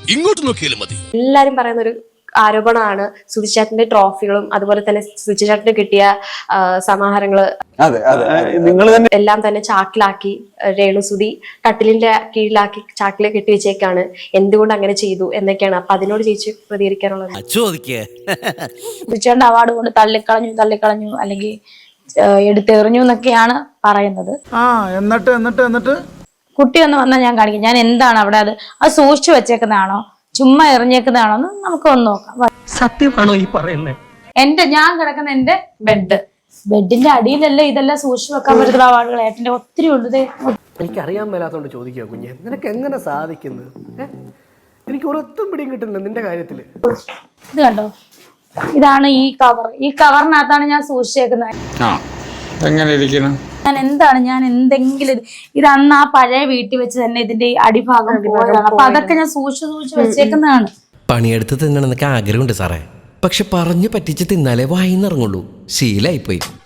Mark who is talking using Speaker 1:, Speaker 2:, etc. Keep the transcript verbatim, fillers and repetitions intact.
Speaker 1: ഇങ്ങോട്ട് നോക്കിയാലും മതി.
Speaker 2: എല്ലാരും പറയുന്ന ഒരു ആരോപണമാണ് സുധിച്ചേട്ടന്റെ ട്രോഫികളും അതുപോലെ തന്നെ സുധിച്ചേട്ടന് കിട്ടിയ സമാഹാരങ്ങള് എല്ലാം തന്നെ ചാക്കിലാക്കി രേണുസുതി കട്ടിലിന്റെ കീഴിലാക്കി ചാക്കില് കെട്ടിവെച്ചേക്കാണ്. എന്തുകൊണ്ട് അങ്ങനെ ചെയ്തു എന്നൊക്കെയാണ്. അപ്പൊ അതിനോട് ചേച്ചി പ്രതികരിക്കാനുള്ളത്.
Speaker 3: സുധിച്ചേട്ടന്റെ അവാർഡ് കൊണ്ട് തള്ളിക്കളഞ്ഞു തള്ളിക്കളഞ്ഞു അല്ലെങ്കിൽ എടുത്തെറിഞ്ഞു എന്നൊക്കെയാണ് പറയുന്നത്.
Speaker 4: ആ എന്നിട്ട് എന്നിട്ട് എന്നിട്ട്
Speaker 3: കുട്ടി ഒന്ന് വന്നാൽ ഞാൻ കാണിക്കും ഞാൻ എന്താണ് അവിടെ അത് അത് സൂക്ഷിച്ചു വെച്ചേക്കുന്നതാണോ ചുമ്മാ എറിഞ്ഞേക്കുന്നതാണോ എന്ന് നമുക്ക് ഒന്ന് നോക്കാം.
Speaker 5: സത്യമാണോ ഈ പറയുന്നത്?
Speaker 3: എന്റെ ഞാൻ കിടക്കുന്ന എന്റെ ബെഡ് ബെഡിന്റെ അടിയിലല്ലേ ഇതെല്ലാം സൂക്ഷിച്ചു വെക്കാൻ പറ്റുന്ന അവാർഡുകൾ ഏട്ടന്റെ ഒത്തിരി ഉണ്ട്.
Speaker 5: എനിക്കറിയാൻ മേലാത്തോണ്ട് ചോദിക്കുക കുഞ്ഞെ, നിനക്ക് എങ്ങനെ സാധിക്കുന്നത്? എനിക്ക് ഒരൊത്തും പിടിയും കിട്ടുന്നില്ല നിന്റെ കാര്യത്തില്.
Speaker 3: ഇത് കണ്ടോ, ഇതാണ് ഈ കവർ. ഈ കവറിനകത്താണ് ഞാൻ സൂക്ഷിച്ചേക്കുന്നത്. ഞാൻ എന്താണ് ഞാൻ എന്തെങ്കിലും ഇത് അന്ന് ആ പഴയ വീട്ടിൽ വെച്ച് തന്നെ ഇതിന്റെ അടിഭാഗം പോയതാണ്. അപ്പൊ അതൊക്കെ ഞാൻ സൂക്ഷിച്ചു സൂക്ഷിച്ചു വെച്ചേക്കുന്നതാണ്.
Speaker 6: പണിയെടുത്ത് തിന്നണമെന്നൊക്കെ ആഗ്രഹമുണ്ട് സാറേ, പക്ഷെ പറഞ്ഞു പറ്റിച്ച് തിന്നാലേ വായിന്നിറങ്ങുള്ളൂ. ശീലായിപ്പോയി.